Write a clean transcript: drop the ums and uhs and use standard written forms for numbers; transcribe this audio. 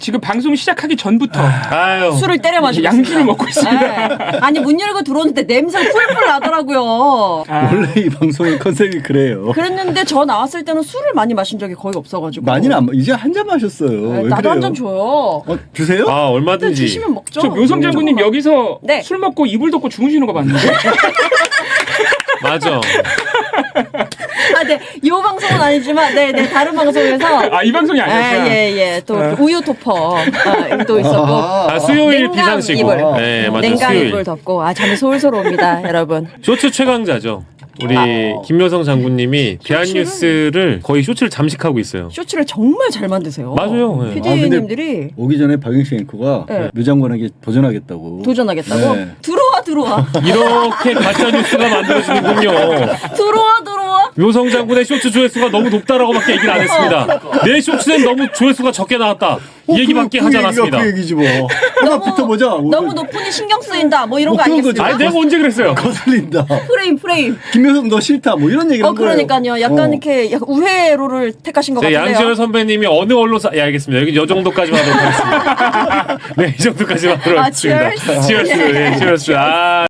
지금 방송 시작하기 전부터 아유. 술을 때려 마시고 양주를 먹고 있습니다. 네. 아니 문 열고 들어오는데 냄새가 풀풀 나더라고요. 원래 이 방송의 컨셉이 그래요. 그랬는데 저 나왔을 때는 술을 많이 마신 적이 거의 없어가지고. 많이는 안 이제 한 잔 마셨어요. 네, 왜 나도 그래요? 한 잔 줘요. 주세요? 아, 근데 얼마든지. 주시면 먹죠. 저 묘성 장군님 여기서 네. 술 먹고 이불 덮고 주무시는 거 봤는데. 맞아. 아, 네. 이 방송은 아니지만, 네, 다른 방송에서. 아, 이 방송이 아니었구나. 예. 또 우유 토퍼 또 있었고. 아, 수요일 냉감 비상시고. 이불. 네, 맞아요. 냉각 수요일. 이불 덮고. 아, 잠이 솔솔 옵니다, 여러분. 쇼츠 최강자죠. 우리 김여성 장군님이 대한뉴스를 거의 쇼츠를 잠식하고 있어요. 쇼츠를 정말 잘 만드세요. 맞아요. 네. PD님들이 오기 전에 박영식 앵커가 네. 묘 장관에게 도전하겠다고. 도전하겠다고? 네. 들어와. 이렇게 가짜 뉴스가 만들어지는군요. 들어와. 묘성 장군의 쇼츠 조회수가 너무 높다라고밖에 얘기를 안 했습니다. 내 쇼츠는 너무 조회수가 적게 나왔다. 이 얘기밖에 하지 않았습니다. 그 얘기지 뭐. 하나 붙어보자. 너무 높으니 신경 쓰인다. 뭐 이런 뭐 거 그런 아니겠습니까? 아니 내가 언제 그랬어요? 거슬린다. 프레임. 김여성 너 싫다. 뭐 이런 얘기를 한 거예요. 그러니까요. 약간 이렇게 약간 우회로를 택하신 것 네, 같은데요. 양지열 선배님이 어느 언론사 알겠습니다. 여기 이 정도까지만 하도록 하겠습니다. 네, 이 정도까지만 하도록 아, 하겠습니다. cheers. 치얼스. 네, 치얼스. 아.